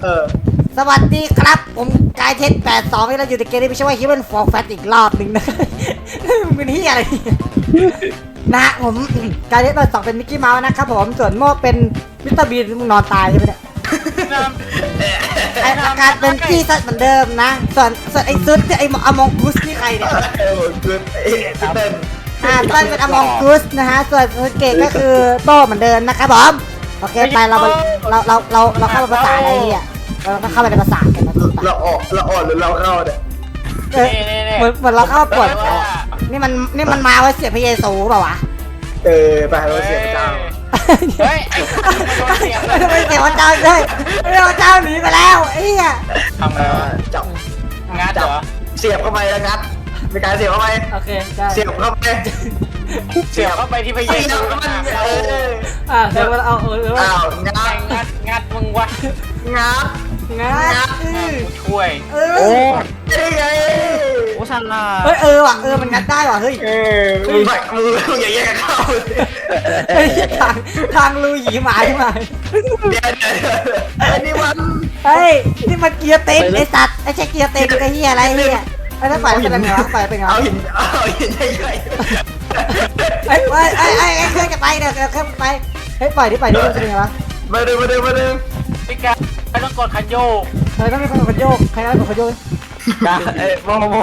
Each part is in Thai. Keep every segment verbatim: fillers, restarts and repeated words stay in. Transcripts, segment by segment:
เออสวัสดีครับผมกายเทนแปดสองที่เราอยู่ในเกมนี้ไม่ใช่ว่าฮิวแมนฟอร์แฟตอีกรอบหนึ่งนะมึงเป็นที่อะไรนะผมกายเทนแปดสองเป็นมิกกี้เมาส์นะครับผมส่วนโม่เป็นมิสเตอร์บีนมึงนอนตายใช่ไหมเนี่ยไอ้อาการเป็นจี้ซัดเหมือนเดิมนะส่วนส่วนไอ้ซุดไอ้อมองกุสนี่ใครเนี่ยเออคือไอ้เต้นอ่าต้นเป็นอมองกุสนะฮะส่วนเกตก็คือโต้เหมือนเดิมนะครับผมโอเคไปเราเราเราเราเราเข้าภาษาอะไรเนี่ยเราก็เข้าไปในภาษากันนะเราออกเราอ่อนหรือเราเข้าเนี่ยเออเหมือนเหมือนเราเข้าปวดนี่มันนี่มันมาไว้เสียพระเยซูเปล่าวะเออไปเราเสียพระเจ้าเฮ้ยไอ้เสียงไม่เสียพระเจ้าเลยไม่พระเจ้าหนีไปแล้วไอ้เหี้ยทำไงวะจับงัดเหรอเสียบเข้าไปแล้วงัดมีการเสียบเข้าไปโอเคได้เสียบเข้าไปเสียบเข้าไปที่พระเยเสียซูบเข้าไปนะเอออ่าเดี๋ยวเราเอาเออเอออ้าวงัไอ้ดงัดงัดมึงวะงัดงัดกูช่วยเอโอ้อได้ไงโอ้ชันล่ะเฮ้ยเออว่ะเออมันงัดได้ว่ะเฮ้ยเออมือแบบมืออย่าแยกเข้าเฮ้ยทางทางรูหยีหมาใช่ไหมเดี๋ยวเดี๋ยวไอ้นี่มันเฮ้ยนี่มันเกียร์เต็มไอ้สัตว์ไอ้ใช่เกียร์เต็มไอ้เหี้ยอะไรเหี้ยไอ้ถ้าปล่อยเป็นไงวะปล่อยเป็นไงเอาวะหินเอาหินใหญ่ไอ้ไอ้ไอ้ไอ้ไอ้เครื่องจะไปเนี่ยเครื่องไปเฮ้ยปล่อยดิปล่อยดิมันเป็นไงวะๆมาดูมาดูมาดูพี่กาไม่ต้องกดคันโยกเฮ้ยต้องมีคนกดโยกใครได้กดโยกกาเอ้โมโม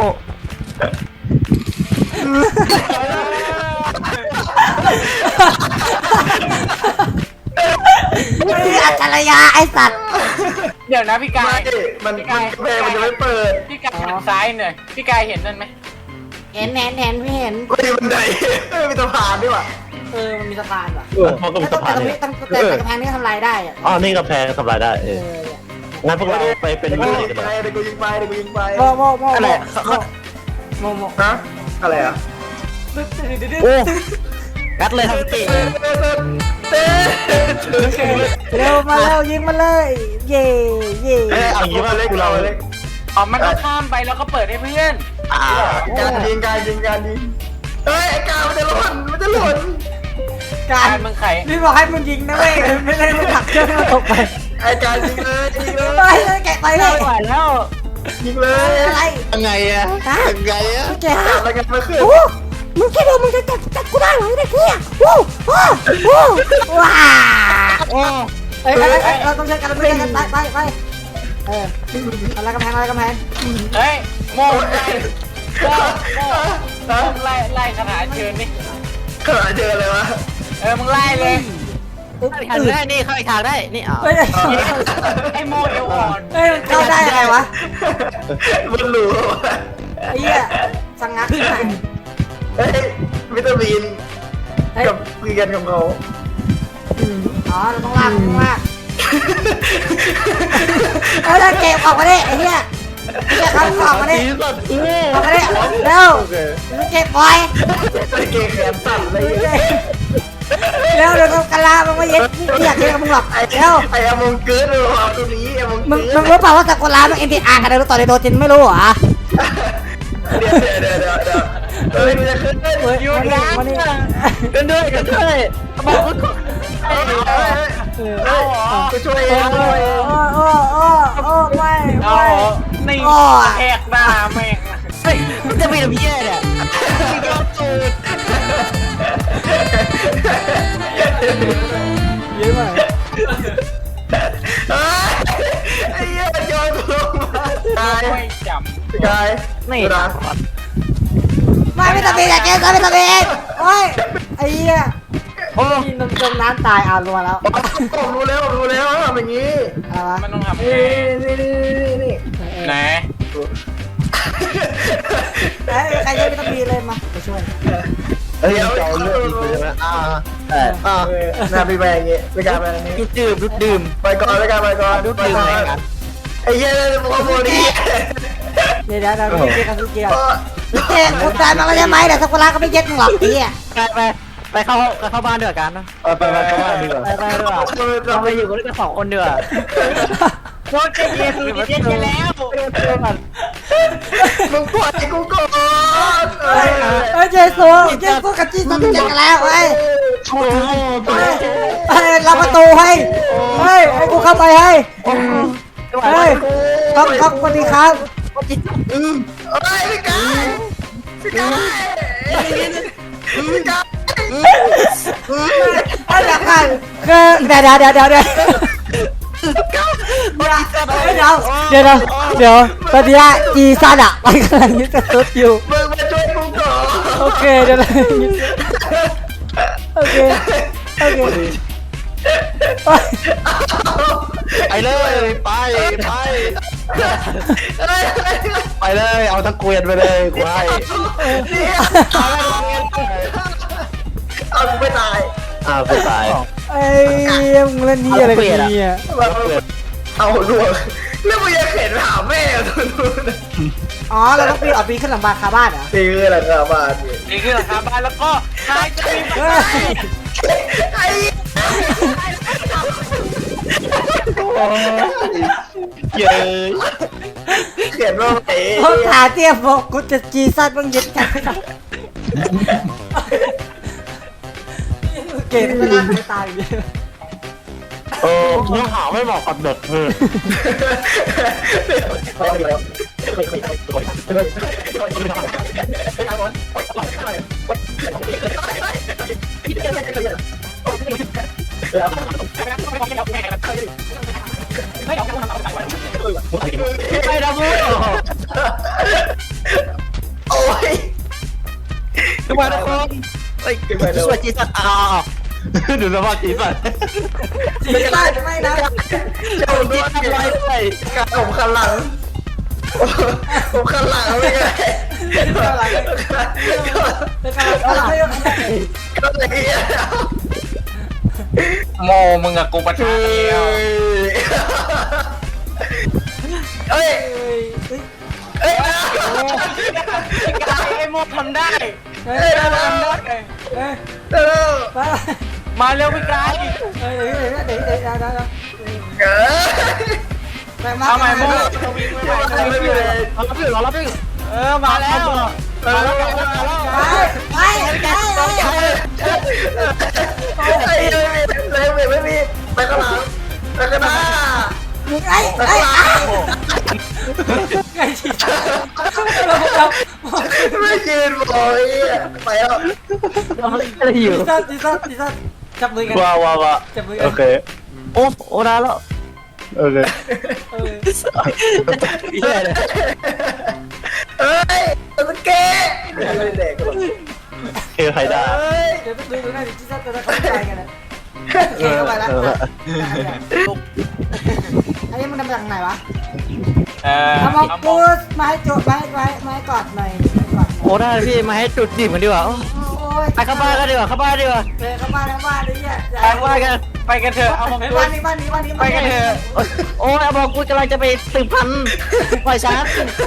เฮ้ยอัจฉริยะไอ้สัตว์เดี๋ยวนะพี่กาไม่ยมันมันเพลงมันจะไม่เปิดพี่กายหันซ้ายหน่อยพี่กายเห็นนั่นไหมเห็นเห็นเห็นพี่เห็นไม่มีบันไดไม่มีสะพานด้วยว่ะเออมันมีสะพานว่ะเออมันก็มีต้สะองพาแต่นตรงเนี่นี้ยต้องแต่กระแพงนี้ทำลายได้อ่ะอ๋อนี่กำแพงทำลายได้เอเออองั้นพวกเราไปเป็นเดี๋ยวมิกูตรยิงกันไปเลยเดี๋ยวกูยิงไปเดี๋ยวกูยิงไปโมโมโมอะไรโมโมฮะอะไรอ่ะโอ้กัดเลยทำเก่งเต้เร็วมาเร็วยิงมาเลยเย่เย่เอ้ยเอางี้มาเล็กเราเล็กอ๋อมันต้องข้ามไปแล้วก็เปิดให้เพื่อนอ่าการยิงการยิงการยิงเอ้ยไอ้กามันจะหล่นมันจะหล่นกาการ รมึงไขพี่บอกให้มึงยิงนะเว้ยไม่ได้มึงผลักเครื่องให้มันตกไปไอ้การยิงเลยยิงเลยไปเลยแกะไปเลยไหวแล้วยิงเลยอะไรยังไงอะฮะยังไงอะแกะจับอะไรกันมาขึ้นโอ้มึงคิดว่ามึงจะจับจับกูได้เหรอไอ้เด็กเนี่ยโอ้โอ้โอ้ว้าโอ้เอ้ยเราต้องใช้กันเราต้องใช้กันไปไปไปเอออะไรกำแพงอะไรกำแพงเฮ้ยโม่ไล่โม่โม่ไล่ไล่คาถาเชิญนี่ขนาดเจอเลยวะเออมึงไล่เลยทางได้นี่เข้าอีกทางได้นี่อ๋อเฮ้ยไอ้โม่เอวอ่อนเฮ้ยมันเข้าได้ยังไงวะมันหลูไอ้เหี้ยสังงักขึ้นไหนเฮ้ยวิตามินกับคุยกันกับเขาอ๋อเราต้องลากต้องลากเฮ้ยเก็บออกมาดิไอ้เหี้ยไอ้เหี้ยเขาออกมาดิดีสุดออกมาดิเร็วเก็บปล่อยไอ้เกย์แขนสั่นเลยเร็วเดี๋ยวกะลามันมาเย็ดไม่อยากเย็ดกับมึงหรอกไอ้เร็วไอ้อมงเกิร์ดเลยว่ะตัวนี้ไอ้มงมึงเกิร์ดมึงรู้เปล่าว่าสักคนร้านมันเอ็นทีอาร์กันเลยต่อในโดจินไม่รู้เหรอเดี๋ยวเดี๋ยวเดี๋ยวเดี๋ยวเฮ้ยมันจะขึ้นเฮ้ยเฮ้ยอยู่มาดิร้านมาดิกันด้วยกันด้วยบอกว่ากูเฮ้ยเฮ้ยเฮ้ยกูช่วยเอโอ้งช่วยเองโอ้โอ้โอ้โอ้ไม่เอาไม่นี่โอ้แหกหน้าแม่งเฮ้ยมันจะมีน้ำเยี่ยเนี่ยยอดสูตรเยอะมากไอ้เหี้ยโยนกูลงมาตายไม่จกายนี่นะไม่ไม่ตะเบียอยากเก็บไม่ตะเบียโอ้ยไอ้เหี้ยโอ้ยนมจมน้ำตายอ่ะรัวแล้วผมรู้แล้วผมรู้แล้วทำอย่างนี้อะไรวะำมันต้องทำนี่นี่นี่นี่นี่ไหนเอ้ยใครยังไม่ตะเบียเลยมาไปช่วยเฮ้ยจะเอาเรื่องอีกเลยนะอ่าเอออ่าน่าไปแบงอย่างงี้ไปการแบงอย่างงี้ดูดื่มดูดื่มไปก่อนไปก่อนไปก่อนดูไปดื่มก่ออะไรนกันไอ้เหี้ยโมโมนี่เดี๋ยวเดี๋ยวเดี๋ยวเจ๊กันทุกเกียร์เจ๊กูตายมาแล้วใช่ไหมเดี๋ยวสักคนร้านก็ไม่เย็ดมึงหรอกไอ้เหี้ยไปไปไปเข้าไปเข้าบ้านเดือดกันนะไปไปเข้าบ้านดีกว่าไปไปดีกว่าเราไปอยู่กันด้วยกันสองคนเดือดโคตรจะเยซูดิเจนไปแล้วมึงปล่อยกูก่อนเฮ้ยเฮ้ยเจสูเจสูกับจีสันเจกันแล้วเฮ้ยโอ้โหเฮ้ยเฮ้ยรับประตูให้เฮ้ยให้กูเข้าไปให้เฮ้ยก๊อฟก๊อฟสวัสดีครับอืมเอ้ยพี่กายพี่กายพี่กายเอ้ยเดี๋ยวก่อนคือเดี๋ยวเดี๋ยวเดี๋ยวเดี๋ยวเดี๋ยวเดี๋ยวเดี๋ยวเดี๋ยวเดี๋ยวตอนนี้จีซันอ่ะมันกำลังยึดกระตุ้นอยู่มึงมาช่วยกูก่อนโอเคเดี๋ยวโอเคโอเคไปเลยไปไปไปเลยเอาตะเกียบไปเลยกูให้เอากูไม่ตายอ้าวกูตายไอ้มึงเล่นนี่อะไรกันเนี่ยเอาลวงแล้วมึงยังเข็นหาแม่ตัวนู้นอ๋อเราต้องปีนออกปีนขึ้นหลังบาคาบ้านเหรอนี่คืออะไรครับบ้านนี่นี่คือหลังคาบ้านแล้วก็ใครจะมีเฮ้ยไอ้เย้ยเขียนว่าไอ้เขาถาเทียบบอกกูจะจีซันมึงยึดกันไม่ได้เกมไม่น่าไม่ตายอยู่เออเนื้อหาไม่เหมาะกับเด็กเลยไม่ได้พูดโอ้ยทุกคนทุกคนเฮ้ยสวัสดีสัตว์อ้าวดูสภาพจีสัตว์จีซันไม่นะเจ้าด้วยการผมขันหลังผมขันหลังไม่ไงเป็นการตลาดก็เลยโมมึงกับกูประชาเดียวเฮ้ยเฮ้ยไอ้โมทำได้เฮ้เฮ้ยยเฮ้เร็ยวเร็วเฮ้ยเร็วไปมาเร็วพี่กายเฮ้ยเดี๋ยวเดี๋ยวเดี๋ยวเดี๋ยวเดี๋ยวเก๋ไปมาเอาใหม่โมไปจะวิ่งไม่ไหวไม่เป็นไรเรารับพี่เรารับพี่เออมาแล้วมาแล้วมาแล้วไปไปไปไอ้เลยไม่ไม่มีไปข้างหลังไปข้างหน้าไอ้ไปไอ้ข้างหลังไอ้จีซันไม่ยืนบอกไปแล้วอะไรอยู่จีซันจีซันจีซันจับมือกันว้าวว้าวว้าจับมือกัโอน เคโอ้โอ้ได้แล้วโอเคเออเฮียเลยเฮ้ยตะเก้ไม่เด็กหรอกเคใครได้เฮ้ยเดี๋ยวไปดูดูหน้าดิจีซันจะเข้าใจกันนะโอเคเข้าไปแล้วไอ้นี่มันทำจากไหนวะเออเอามาปูสมาให้จุดมาให้ไว้มาให้กอดหน่อยกอดโอ้ได้พี่มาให้จุดจีบกันดีกว่าโอ้ยไปเข้าบ้านกันดีกว่าเข้าบ้านดีกว่าไปเข้าบ้านเข้าบ้านดิเนี่ยไปบ้านกันไปกันเถอะเอามองไปกูบ้านนี้บ้านนี้บ้านนี้ไปกันเถอะโอ้ยบอกกูกำลังจะไปสืบพันธุ์ปล่อยช้า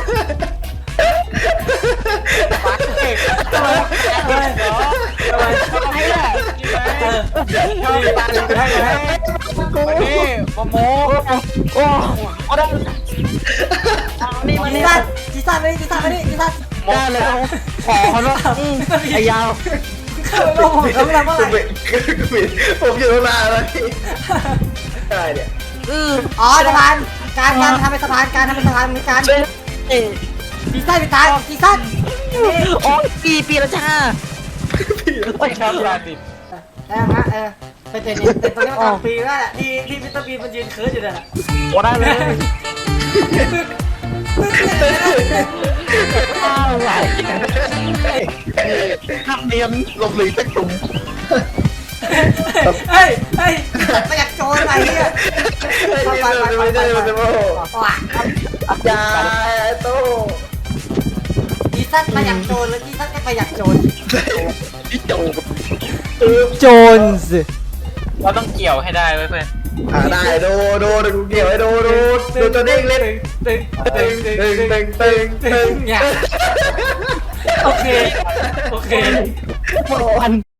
ปักเอกทำไมทำไมทำไมทำไมล่ะชอบตาเลยให้ให้นี่โมโมโอ้โอ้ได้นี่มาจีนี่ซันจีซันมาดิจีซันมาดิจีซันได้เลยขอเขาว่าไอ้ยาวเข้าไปโลกผมเขาไม่ทำเมื่อไหร่ผมอยู่ตั้งนานแล้วพี่อะไรเนี่ยอ๋อสะพานการการทำเป็นสะพานการทำเป็นสะพานมีการจีซันปีตายจีซันโอ้ปีปีละจ้าไปครับยาติดเออมาเออเป็นเจนี่เป็นตอนนี้มันกลางปีแล้วแหละที่ที่มิสเตอร์บีมันยืนเคิร์ดอยู่เลยโอ้ได้เลยอ้าวไหลนักเรียนหลบหลีกตะตุ่มเฮ้ยเฮ้ยไม่อยากโจรอะไรเนี่ยไปไปไปไปไปไปว้าอยาโต้จีซันมาอยากโจรแล้วจีซันก็ไปอยากโจรพี่โจโจรสิเราต้องเกี่ยวให้ได้เว้ยเพื่อนอ่าได้ดูดูดูกูเกี่ยวให้ดูดูดูตัวเด้งเล่นตึงตึงตึงตึตึงงตึงตึงตึงเนี่ยโอเคโอเควัน